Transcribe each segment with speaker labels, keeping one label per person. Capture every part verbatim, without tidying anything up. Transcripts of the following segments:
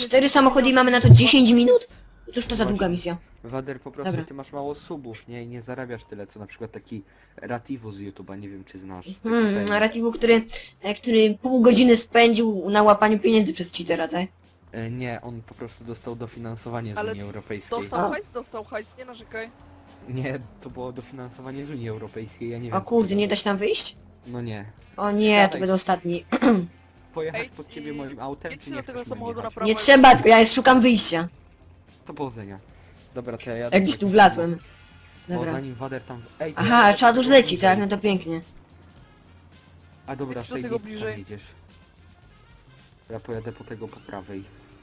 Speaker 1: cztery samochody i mamy na to dziesięć minut? Cóż to za długa misja.
Speaker 2: Wader, po prostu
Speaker 1: Dobra.
Speaker 2: ty masz mało subów, nie? I nie zarabiasz tyle, co na przykład taki Rativu z YouTube'a, nie wiem czy znasz. Taki
Speaker 1: Hmm,
Speaker 2: fame.
Speaker 1: narrativu, który, e, który pół godziny spędził na łapaniu pieniędzy przez cheatera, tak?
Speaker 2: E, Nie, on po prostu dostał dofinansowanie z
Speaker 3: Ale
Speaker 2: Unii Europejskiej.
Speaker 3: Dostał
Speaker 1: A.
Speaker 3: hajs, dostał hajs, nie narzekaj.
Speaker 2: Nie, to było dofinansowanie z Unii Europejskiej, ja nie wiem.
Speaker 1: O kurde, nie da się tam wyjść?
Speaker 2: No nie.
Speaker 1: O nie, to
Speaker 2: Siadaj.
Speaker 1: będę ostatni.
Speaker 2: Pojechać
Speaker 3: Ej,
Speaker 2: pod ciebie
Speaker 3: i-
Speaker 2: moim autem,
Speaker 3: jedźcie
Speaker 2: czy nie
Speaker 3: do tego
Speaker 2: chcesz nim
Speaker 3: samochodu
Speaker 2: jechać?
Speaker 3: na prawo.
Speaker 1: Nie trzeba, tylko ja szukam wyjścia.
Speaker 2: To powodzenia. Dobra, to ja jadę.
Speaker 1: Jak gdzieś
Speaker 2: po
Speaker 1: tu
Speaker 2: jakiś
Speaker 1: wlazłem.
Speaker 2: Bo
Speaker 1: Dobra.
Speaker 2: zanim Wader tam... Ej, to
Speaker 1: Aha,
Speaker 2: ja
Speaker 1: czas już
Speaker 2: jadę
Speaker 1: leci, tak? No
Speaker 2: bliżej.
Speaker 1: to pięknie.
Speaker 2: A dobra,
Speaker 3: Jedź do
Speaker 2: Shady,
Speaker 3: tego
Speaker 2: ty tam
Speaker 3: bliżej.
Speaker 2: jedziesz. Ja pojadę po tego po prawej.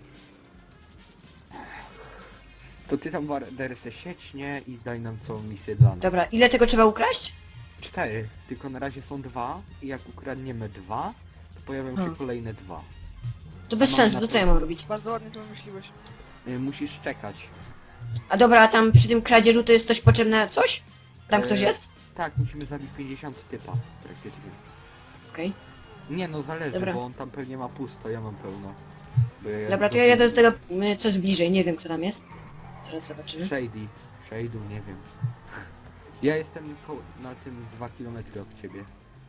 Speaker 2: To ty tam Wader se sieć, nie? I daj nam całą misję dla nas.
Speaker 1: Dobra, ile tego trzeba ukraść?
Speaker 2: Cztery, tylko na razie są dwa i jak ukradniemy dwa, to pojawią
Speaker 1: Hmm.
Speaker 2: się kolejne dwa.
Speaker 1: To bez
Speaker 2: A mam
Speaker 1: sensu,
Speaker 2: na
Speaker 1: to
Speaker 2: to-
Speaker 1: co ja mam robić?
Speaker 3: Bardzo ładnie to wymyśliłeś.
Speaker 2: Y, musisz czekać.
Speaker 1: A dobra, a tam przy tym kradzieżu to jest coś potrzebne, coś? Tam ktoś
Speaker 2: E,
Speaker 1: jest?
Speaker 2: Tak, musimy zabić pięćdziesiąt typa praktycznie.
Speaker 1: Okej.
Speaker 2: Nie no, zależy,
Speaker 1: Dobra.
Speaker 2: bo on tam pewnie ma pusto, ja mam pełno. Bo ja
Speaker 1: Dobra, to ja jadę do tego, y, co jest bliżej, nie wiem kto tam jest. Teraz zobaczymy.
Speaker 2: Shady. Shade'u, nie wiem. Ja jestem ko na tym dwa kilometry od ciebie.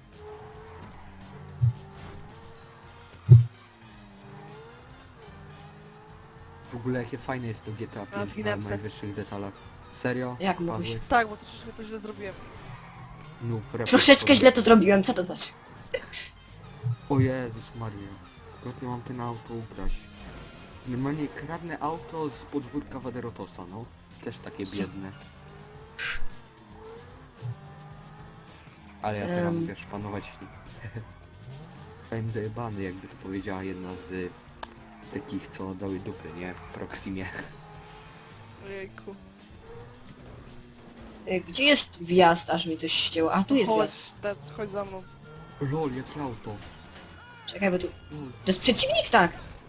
Speaker 2: W ogóle jakie fajne jest to G T A
Speaker 3: A,
Speaker 2: pięć na
Speaker 3: zginęłem se.
Speaker 2: najwyższych detalach. Serio?
Speaker 1: Jak
Speaker 2: Padłeś?
Speaker 1: mógłbyś?
Speaker 3: Tak, bo troszeczkę to źle zrobiłem.
Speaker 2: No, report
Speaker 1: Troszeczkę
Speaker 2: powiem.
Speaker 1: źle to zrobiłem, co to znaczy?
Speaker 2: O Jezus Maria. Skąd ja mam ten auto ubrać? Normalnie kradnę auto z podwórka Waderotosa, no. Też takie
Speaker 1: Co?
Speaker 2: biedne. Ale ja teraz
Speaker 1: Em.
Speaker 2: mogę szpanować nim. Fame dojebany, jakby to powiedziała jedna z y, takich, co dały dupy, nie? W Proximie.
Speaker 3: Ojejku.
Speaker 1: Y, Gdzie jest wjazd, aż mi coś ścięło? A, tu jest
Speaker 3: Chodź,
Speaker 1: wjazd.
Speaker 3: Ted, chodź za mną.
Speaker 2: Lol, jakie auto.
Speaker 1: Czekaj, bo tu...
Speaker 2: Lol.
Speaker 1: To jest przeciwnik, tak.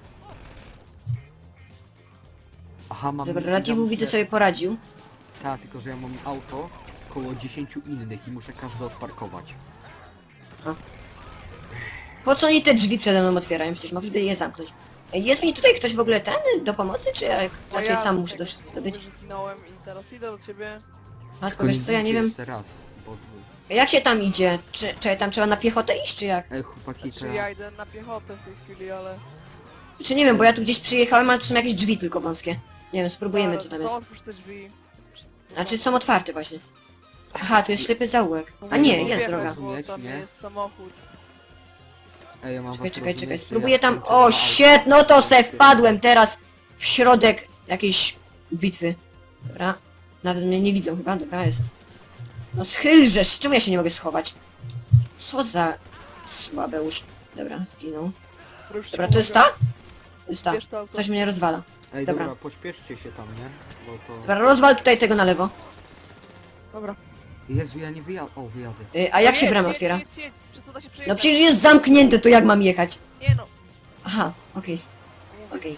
Speaker 2: Aha, mam...
Speaker 1: Dobra,
Speaker 2: ja
Speaker 1: Rativu
Speaker 2: muszę-
Speaker 1: widzę sobie poradził.
Speaker 2: Tak, tylko że ja mam auto koło dziesięciu innych i muszę każde odparkować.
Speaker 1: Po co oni te drzwi przede mną otwierają? Przecież mogliby je zamknąć. Ej, jest mi tutaj ktoś w ogóle ten do pomocy, czy ja
Speaker 3: A
Speaker 1: raczej sam muszę
Speaker 3: jak
Speaker 1: to wszystko zdobyć?
Speaker 3: mówię, że zginąłem i teraz idę do ciebie.
Speaker 1: A tylko wiesz co, ja nie
Speaker 2: bijcie
Speaker 1: wiem...
Speaker 2: jeszcze raz, bo...
Speaker 1: Jak się tam idzie? Czy, czy tam trzeba na piechotę iść, czy jak?
Speaker 2: Ej, chłopaki,
Speaker 3: Czy
Speaker 2: to
Speaker 3: ja idę na piechotę w tej chwili, ale...
Speaker 1: Czy nie wiem, bo ja tu gdzieś przyjechałem, ale tu są jakieś drzwi tylko wąskie. Nie wiem, spróbujemy
Speaker 3: Dobra,
Speaker 1: co tam
Speaker 3: to
Speaker 1: jest.
Speaker 3: otwórz te drzwi.
Speaker 1: A czy są otwarte właśnie? Aha, tu jest ślepy zaułek. A
Speaker 3: Mówię,
Speaker 1: nie,
Speaker 3: bo
Speaker 1: jest
Speaker 3: wjechać,
Speaker 1: droga.
Speaker 3: Bo
Speaker 2: Rozumieć,
Speaker 3: tam
Speaker 2: nie?
Speaker 3: jest samochód.
Speaker 2: Ej, ja mam
Speaker 1: Czekaj,
Speaker 2: was
Speaker 1: czekaj,
Speaker 2: rozumieć,
Speaker 1: czekaj,
Speaker 2: że
Speaker 1: spróbuję
Speaker 2: ja
Speaker 1: tam...
Speaker 2: skończę
Speaker 1: O,
Speaker 2: dwa
Speaker 1: shit,
Speaker 2: auta.
Speaker 1: no to se wpadłem teraz w środek jakiejś bitwy. Dobra, nawet mnie nie widzą chyba, dobra jest. No schylżesz, czemu ja się nie mogę schować? Co za słabeusz. Dobra, zginął.
Speaker 3: Już ci
Speaker 1: Dobra, to jest ta?
Speaker 3: pomogę.
Speaker 1: To jest ta.
Speaker 3: Bierz to auto.
Speaker 1: Ktoś mnie rozwala.
Speaker 2: Ej,
Speaker 1: Dobra.
Speaker 2: dobra, pośpieszcie się tam, nie? Bo to...
Speaker 1: Dobra, rozwal tutaj tego na lewo.
Speaker 3: Dobra.
Speaker 2: Jezu, ja nie wyjadę. O, wyjadę.
Speaker 1: Y, a jak
Speaker 3: No
Speaker 1: się
Speaker 3: jedź,
Speaker 1: brama
Speaker 3: jedź,
Speaker 1: otwiera?
Speaker 3: Jedź, jedź, przez to da się
Speaker 1: No
Speaker 3: przejechać.
Speaker 1: przecież jest zamknięte, to jak mam jechać?
Speaker 3: Nie no.
Speaker 1: Aha, okej.
Speaker 3: Mówię
Speaker 1: Okej.
Speaker 3: ci.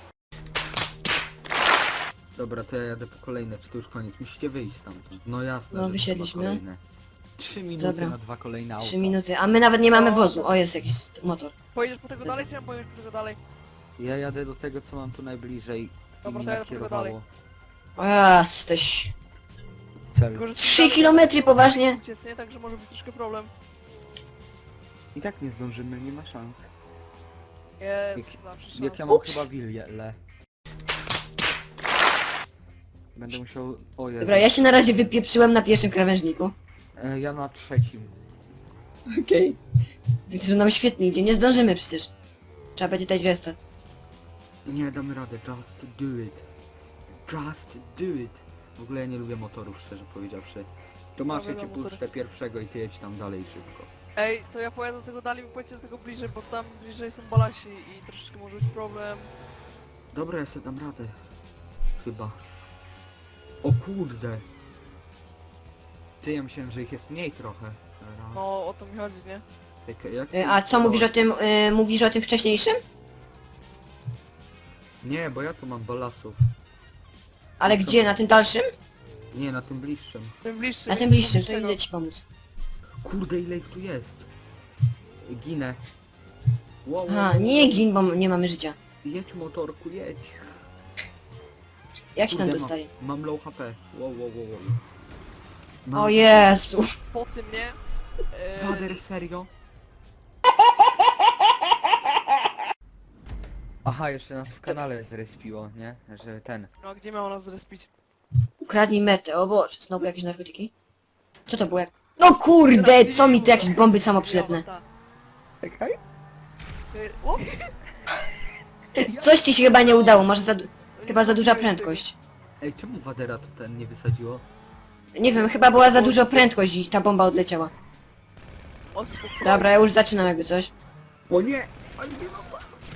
Speaker 2: Dobra, to ja jadę po kolejne, czy to już koniec? Musicie wyjść stamtąd. No jasne,
Speaker 1: No,
Speaker 2: że
Speaker 1: wysiedliśmy.
Speaker 2: dwa kolejne. Trzy minuty
Speaker 1: Dobra.
Speaker 2: na dwa kolejne auta.
Speaker 1: Trzy minuty, a my nawet nie mamy wozu. O, jest jakiś motor.
Speaker 3: Pojedziesz po tego dalej, czy ja pojedziesz po tego dalej?
Speaker 2: Ja jadę do tego, co mam tu najbliżej i
Speaker 3: Dobra,
Speaker 2: mi
Speaker 3: to ja jadę po tego dalej.
Speaker 2: nakierowało
Speaker 1: O, jesteś...
Speaker 2: cel.
Speaker 3: Tylko, że
Speaker 1: Trzy kilometry poważnie?
Speaker 3: Uciec, nie? Także może być troszkę problem.
Speaker 2: I tak nie zdążymy, nie ma szans.
Speaker 3: Jest,
Speaker 2: Jak-
Speaker 3: zawsze szansa.
Speaker 2: Jak ja mam
Speaker 1: Ups.
Speaker 2: chyba willę. Będę musiał... O Jezu.
Speaker 1: Dobra, ja się na razie wypieprzyłem na pierwszym krawężniku.
Speaker 2: E, ja na trzecim.
Speaker 1: Okej. Widzę, że nam świetnie idzie, nie zdążymy przecież. Trzeba będzie dać restart.
Speaker 2: Nie damy radę, just do it. Just do it. W ogóle ja nie lubię motorów, szczerze powiedziawszy. To masz, ja
Speaker 3: Dobra,
Speaker 2: cię
Speaker 3: motory.
Speaker 2: puszczę pierwszego i ty jedź tam dalej szybko.
Speaker 3: Ej, to ja pojadę do tego dalej, wy pojedźcie do tego bliżej, bo tam bliżej są balasi i troszeczkę może być problem.
Speaker 2: Dobra, ja sobie dam radę. Chyba. O kurde. Ty, ja myślałem, że ich jest mniej trochę. Raz.
Speaker 3: No, o to mi chodzi, nie?
Speaker 2: Jak, jak
Speaker 1: Y, a co mówisz o tym, y, mówisz o tym wcześniejszym?
Speaker 2: Nie, bo ja tu mam balasów.
Speaker 1: Ale
Speaker 2: Co?
Speaker 1: gdzie, na tym dalszym?
Speaker 2: Nie, na tym bliższym.
Speaker 3: Tym bliższym.
Speaker 1: Na tym
Speaker 3: nie
Speaker 1: bliższym, to
Speaker 3: bliższego.
Speaker 1: idę ci pomóc.
Speaker 2: Kurde, ile ich tu jest. Ginę. Wow, wow,
Speaker 1: Aha,
Speaker 2: wow.
Speaker 1: nie gin, bo nie mamy życia.
Speaker 2: Jedź motorku, jedź.
Speaker 1: Jak się tam
Speaker 2: Kurde,
Speaker 1: dostaje?
Speaker 2: Mam, mam low H P. Wow, wow, wow, wow. Mam...
Speaker 1: O Jezu.
Speaker 3: Po tym, nie? Eee,
Speaker 2: Wader, serio? Aha, jeszcze nas w kanale zrespiło, nie? Że ten...
Speaker 3: no a gdzie miało nas zrespić?
Speaker 1: Ukradnij metę, o Boże, znowu jakieś narkotyki? Co to było jak... No kurde, co mi to jakieś bomby samoprzylepne?
Speaker 2: Czekaj.
Speaker 3: Eee, Ups!
Speaker 1: Coś ci się chyba nie udało, może za... du- Chyba za duża prędkość.
Speaker 2: Ej, czemu Wadera to ten nie wysadziło?
Speaker 1: Nie wiem, chyba była za duża prędkość i ta bomba odleciała.
Speaker 3: O, spokojnie.
Speaker 1: Dobra, ja już zaczynam jakby coś.
Speaker 2: O nie! Ale nie ma...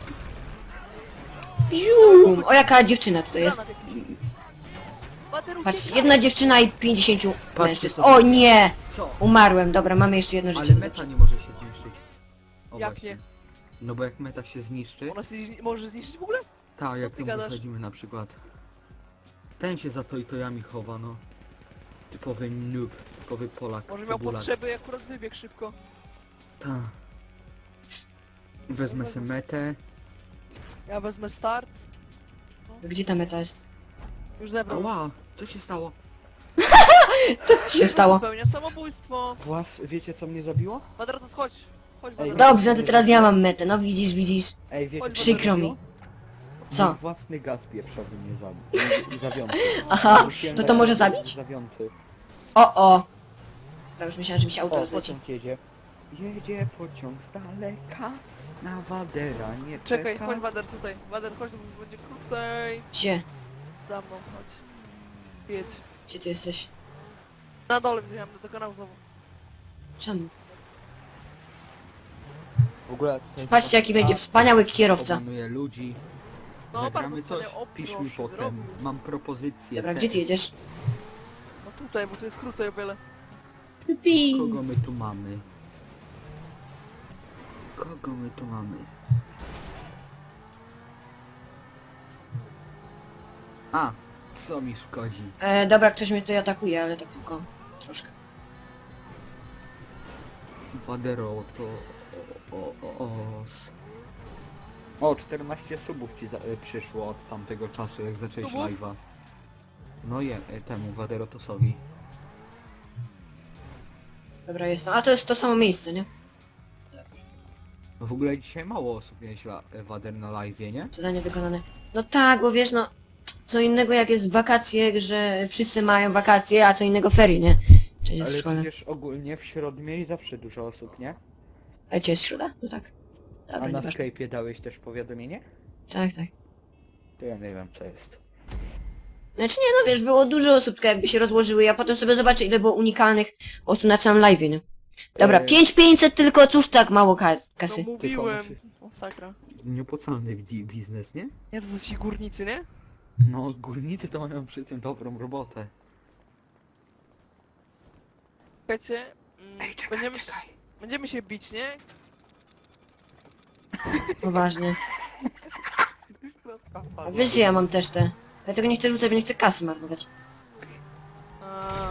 Speaker 1: Zium! O, jaka dziewczyna tutaj jest.
Speaker 3: Granat jakiś. Wader,
Speaker 1: Patrz,
Speaker 3: uciekaj.
Speaker 1: jedna dziewczyna i pięćdziesięciu
Speaker 2: Patrzcie,
Speaker 1: mężczyzn.
Speaker 2: co
Speaker 1: O
Speaker 2: to-
Speaker 1: nie!
Speaker 2: Co?
Speaker 1: Umarłem, dobra, mamy jeszcze jedno życie.
Speaker 2: Ale meta nie może się zniszczyć. O,
Speaker 3: Jak
Speaker 2: właśnie.
Speaker 3: nie?
Speaker 1: No
Speaker 2: No bo jak meta się zniszczy...
Speaker 3: Ona się zni- może zniszczyć w ogóle?
Speaker 2: Tak, jak
Speaker 3: ty
Speaker 2: ją
Speaker 3: gadasz?
Speaker 2: wysadzimy na przykład. Ten się za to i tojami chowa, no. Typowy noob, typowy Polak,
Speaker 3: Może miał
Speaker 2: cebulak.
Speaker 3: potrzeby i akurat wybiegł szybko.
Speaker 2: Ta. Wezmę sobie metę.
Speaker 3: Ja wezmę start.
Speaker 1: Gdzie ta meta jest?
Speaker 3: Już zebrał.
Speaker 2: Ała, co się stało?
Speaker 1: Co ci się stało?
Speaker 3: Popełnia samobójstwo.
Speaker 2: Włas, wiecie co mnie zabiło?
Speaker 3: Wadratos, chodź. Chodź,
Speaker 2: Ej,
Speaker 3: Wadratos.
Speaker 1: Dobrze, no to teraz ja mam metę, no widzisz, widzisz.
Speaker 2: Ej, wiecie
Speaker 3: Chodź,
Speaker 2: co
Speaker 1: Przykro
Speaker 2: mnie
Speaker 1: mi.
Speaker 2: zabiło?
Speaker 1: Co?
Speaker 2: Mój własny gaz pieprzowy mnie zabił. Zawiący.
Speaker 1: Aha,
Speaker 2: Rzuciłem
Speaker 1: to to
Speaker 2: gaz
Speaker 1: może zabić?
Speaker 2: Zawiący.
Speaker 1: O, o. Dobra, już myślałem, że mi się auto
Speaker 2: O,
Speaker 1: rozleci.
Speaker 2: pociąg jedzie. Jedzie pociąg z daleka. Na Wadera nie
Speaker 3: Czekaj,
Speaker 2: czeka.
Speaker 3: chodź Wader tutaj. Wader, chodź, bo będzie krócej.
Speaker 1: Gdzie?
Speaker 3: Za mną, chodź. Jedź.
Speaker 1: Gdzie ty jesteś?
Speaker 3: Na dole wziąłem do kanału znowu.
Speaker 1: Czemu?
Speaker 2: W ogóle tutaj
Speaker 1: Patrzcie, jaki będzie wspaniały kierowca.
Speaker 2: Obanuję ludzi.
Speaker 3: No,
Speaker 2: Zagramy
Speaker 3: bardzo
Speaker 2: coś?
Speaker 3: wspaniale. O,
Speaker 2: Pisz mi
Speaker 3: proszę,
Speaker 2: potem.
Speaker 3: zrobił.
Speaker 2: Mam propozycję.
Speaker 1: Dobra,
Speaker 2: też.
Speaker 1: gdzie ty jedziesz?
Speaker 3: No tutaj, bo tu jest krócej o wiele.
Speaker 1: Pi.
Speaker 2: Kogo my tu mamy? Kogo my tu mamy? A, co mi szkodzi?
Speaker 1: E, dobra, ktoś mnie tutaj atakuje, ale tak tylko troszkę.
Speaker 2: Wadero to... O, o, o, o. o czternaście subów ci za, y, przyszło od tamtego czasu, jak zacząłeś
Speaker 3: Subów?
Speaker 2: live'a. No je, y, temu Waderotosowi.
Speaker 1: Dobra, jestem. A to jest to samo miejsce, nie?
Speaker 2: No w ogóle dzisiaj mało osób nieźle Wader na live'ie, nie?
Speaker 1: Zadanie wykonane. No tak, bo wiesz, no... Co innego jak jest wakacje, że wszyscy mają wakacje, a co innego ferie, nie? Czyli jest
Speaker 2: Ale
Speaker 1: szkoda.
Speaker 2: przecież ogólnie w środę mieli zawsze dużo osób, nie?
Speaker 1: A gdzie jest środa? No tak. Dobra,
Speaker 2: A na
Speaker 1: nieważne.
Speaker 2: Skype'ie dałeś też powiadomienie?
Speaker 1: Tak, tak.
Speaker 2: To ja nie wiem co jest.
Speaker 1: Znaczy nie, no wiesz, było dużo osób, tylko jakby się rozłożyły, ja potem sobie zobaczę, ile było unikalnych osób na całym live, nie? Dobra,
Speaker 2: Eee.
Speaker 1: pięć tysięcy pięćset tylko, cóż tak mało kas kasy.
Speaker 3: No mówiłem.
Speaker 2: musi-
Speaker 3: Masakra.
Speaker 2: Nieopłacalny bi- biznes, nie?
Speaker 3: Nie, to są ci górnicy, nie?
Speaker 2: No górnicy to mają przy tym dobrą robotę.
Speaker 3: Słuchajcie, mm, będziemy, się- będziemy się bić, nie?
Speaker 1: Poważnie. A wiesz, że ja mam też te... Ja tego nie chcę rzucać, bo nie chcę kasy marnować.
Speaker 3: A,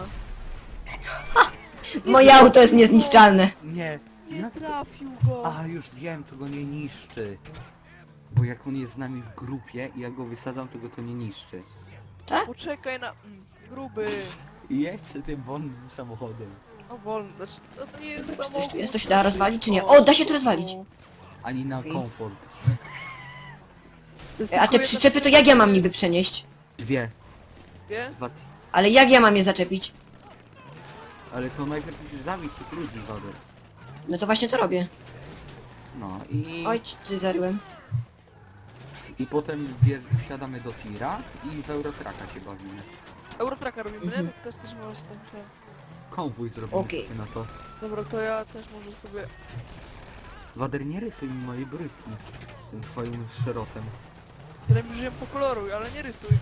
Speaker 1: Moje auto jest niezniszczalne.
Speaker 2: Nie,
Speaker 3: nie
Speaker 2: jak to?
Speaker 3: trafił go.
Speaker 2: A już wiem, to go nie niszczy. Bo jak on jest z nami w grupie i ja go wysadzam, to go to nie niszczy.
Speaker 1: Tak?
Speaker 3: Poczekaj na... Mm, gruby.
Speaker 2: I jedź sobie tym wolnym samochodem.
Speaker 3: O, wolno, znaczy, to nie jest
Speaker 1: Czy
Speaker 3: samochód.
Speaker 1: coś tu jest? To się da rozwalić, czy nie? O, da się to rozwalić.
Speaker 2: Ani na
Speaker 1: Okej.
Speaker 2: komfort.
Speaker 3: To jest
Speaker 1: A
Speaker 3: tylko
Speaker 1: te
Speaker 3: jedna
Speaker 1: przyczepy to jak ja mam niby przenieść?
Speaker 2: Dwie.
Speaker 3: Wie?
Speaker 2: Dwa...
Speaker 1: Ale jak ja mam je zaczepić?
Speaker 2: Ale to najpierw musisz zabić tych ludzi, Wader.
Speaker 1: No to właśnie to robię.
Speaker 2: No i...
Speaker 1: Oj, ty zaryłem.
Speaker 2: I potem bierz, wsiadamy do tira i w Eurotraka się bawimy.
Speaker 3: Eurotraka robimy,
Speaker 1: Mhm.
Speaker 3: nie? Też, też możesz tak myślałem.
Speaker 2: Konwój zrobimy
Speaker 1: Okej.
Speaker 2: sobie na to.
Speaker 3: Dobra, to ja też może sobie...
Speaker 2: Wader, nie rysuj mi mojej bryki. Tym twoim szerotem.
Speaker 3: Ja już ją pokoloruj, ale nie rysuj.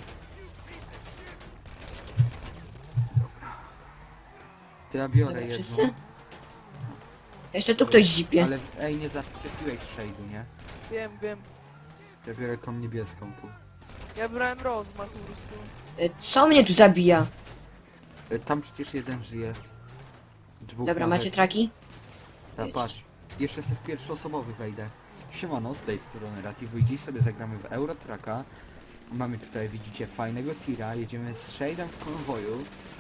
Speaker 2: To ja biorę
Speaker 1: Dobra,
Speaker 2: jedną.
Speaker 1: wszyscy? Jeszcze tu ktoś zipie.
Speaker 2: Ale ej, nie zaczepiłeś shade'u, nie?
Speaker 3: Wiem, wiem.
Speaker 2: Ja biorę tą niebieską tu.
Speaker 3: Ja brałem rozmach po prostu.
Speaker 1: E, Co mnie tu zabija?
Speaker 2: E, Tam przecież jeden żyje. Dwóch
Speaker 1: Dobra,
Speaker 2: nawet.
Speaker 1: macie traki?
Speaker 2: Ta, patrz. Jeszcze sobie w pierwszoosobowy wejdę. Siemano, z tej strony Rativu i dziś sobie zagramy w Eurotracka. Mamy tutaj, widzicie, fajnego tira, jedziemy z Shade'em w konwoju.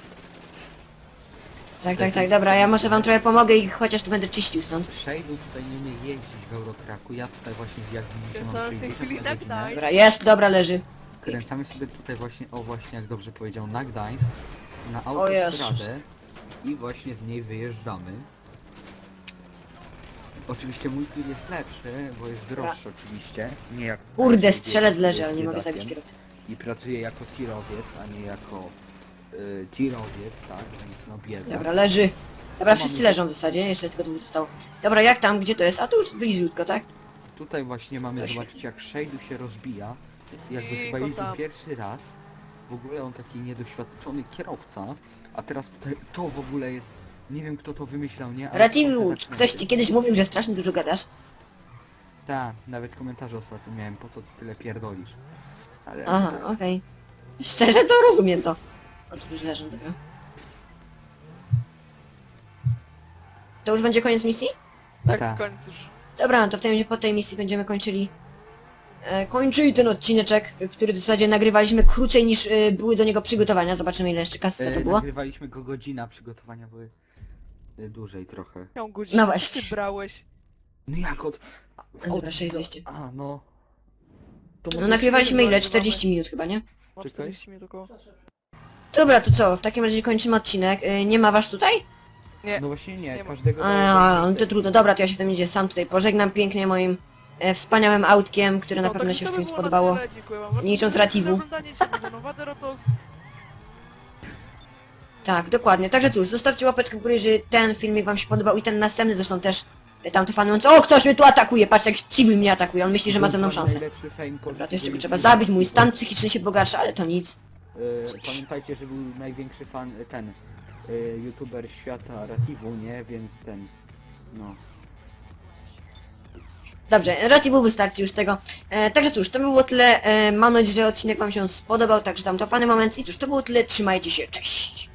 Speaker 1: Tak, tak, tak, dobra, ja może wam trochę pomogę i chociaż tu będę czyścił stąd.
Speaker 2: Shade'u tutaj nie umie jeździć w Eurotracku, ja tutaj właśnie, jak widzicie, mam
Speaker 3: Kręcamy w tej
Speaker 2: sześćdziesiąt
Speaker 3: chwili
Speaker 2: na
Speaker 3: na
Speaker 2: godzinę.
Speaker 3: Gdańsk.
Speaker 1: Dobra, jest, dobra, leży.
Speaker 2: Kręcamy sobie tutaj właśnie, o właśnie, jak dobrze powiedział, na Gdańsk, na
Speaker 1: O Jezus.
Speaker 2: autostradę i właśnie z niej wyjeżdżamy. Oczywiście mój tir jest lepszy, bo jest droższy oczywiście, nie jak...
Speaker 1: Kurde,
Speaker 2: jak
Speaker 1: strzelec
Speaker 2: jest
Speaker 1: leży, ale nie mogę
Speaker 2: biedakiem.
Speaker 1: zabić kierowcy.
Speaker 2: I pracuje jako tirowiec, a nie jako y, tirowiec, tak, więc no bieda.
Speaker 1: Dobra, leży. Dobra,
Speaker 2: Tu
Speaker 1: wszyscy
Speaker 2: mamy-
Speaker 1: leżą w zasadzie, jeszcze tylko dwóch zostało. Dobra, jak tam, gdzie to jest? A tu już bliziutko, tak?
Speaker 2: Tutaj właśnie mamy,
Speaker 1: To się-
Speaker 2: zobaczyć jak Shade'u się rozbija, jakby
Speaker 3: I
Speaker 2: chyba
Speaker 3: go
Speaker 2: jeździł
Speaker 3: tam.
Speaker 2: pierwszy raz. W ogóle on taki niedoświadczony kierowca, a teraz tutaj to w ogóle jest, nie wiem kto to wymyślał, nie? Ale
Speaker 1: Rativu,
Speaker 2: trochę
Speaker 1: czy
Speaker 2: tak-
Speaker 1: ktoś ci kiedyś mówił, że strasznie dużo gadasz?
Speaker 2: Tak, nawet komentarze ostatnio miałem, po co ty tyle pierdolisz. Ale
Speaker 1: Aha,
Speaker 2: tak.
Speaker 1: okej. Szczerze to rozumiem to. O, tu już leżą, dobra. To już będzie koniec misji?
Speaker 3: Tak,
Speaker 2: Tak.
Speaker 3: koniec już.
Speaker 1: Dobra, no to w tej, po tej misji będziemy kończyli... E, kończyli ten odcineczek, e, który w zasadzie nagrywaliśmy krócej niż e, były do niego przygotowania. Zobaczymy ile jeszcze kasy co to
Speaker 2: E,
Speaker 1: było.
Speaker 2: nagrywaliśmy go godzina, przygotowania były e, dłużej trochę.
Speaker 3: Miał godzinę,
Speaker 1: No
Speaker 3: co
Speaker 1: właśnie.
Speaker 3: ty brałeś?
Speaker 2: No jak od...
Speaker 1: Dobra, sześć dwieście.
Speaker 2: A, no... To
Speaker 1: No
Speaker 2: może
Speaker 1: nagrywaliśmy ile?
Speaker 3: nagrywamy.
Speaker 1: czterdzieści minut chyba, nie?
Speaker 3: Ma
Speaker 2: Czekaj.
Speaker 3: czterdzieści minut około.
Speaker 1: Dobra, to co? W takim razie kończymy odcinek. E, nie ma was tutaj?
Speaker 3: Nie.
Speaker 2: No właśnie nie,
Speaker 3: Nie ma.
Speaker 2: każdego...
Speaker 1: A, no to trudno. Dobra, to ja się w tym idzie sam tutaj pożegnam pięknie moim e, wspaniałym autkiem, które na
Speaker 3: No,
Speaker 1: pewno
Speaker 3: tak,
Speaker 1: się
Speaker 3: to by
Speaker 1: wszystkim
Speaker 3: było na
Speaker 1: spodobało.
Speaker 3: tyle, dziękuję wam bardzo
Speaker 1: Nie licząc
Speaker 3: za
Speaker 1: Rativu.
Speaker 3: oglądanie, dziękuję za Waderotos.
Speaker 1: Tak, dokładnie. Także cóż, zostawcie łapeczkę w górę, jeżeli ten filmik wam się podobał i ten następny zresztą też e, tamte fany mówiąc, o, ktoś mnie tu atakuje, patrz jak civil mnie atakuje, on myśli, że ma ze mną szansę.
Speaker 2: Najlepszy fame
Speaker 1: Dobra, to jeszcze go
Speaker 2: polskiego
Speaker 1: trzeba
Speaker 2: YouTube'a.
Speaker 1: zabić, mój stan psychiczny się pogarsza, ale to nic.
Speaker 2: E, pamiętajcie, że był największy fan, e, ten, e, youtuber świata Rativu, nie? Więc ten, no.
Speaker 1: Dobrze, Rativu wystarczy już tego. E, także cóż, to by było tyle. E, mam nadzieję, że odcinek wam się spodobał, także tam to fany moment i cóż, to było tyle. Trzymajcie się, cześć!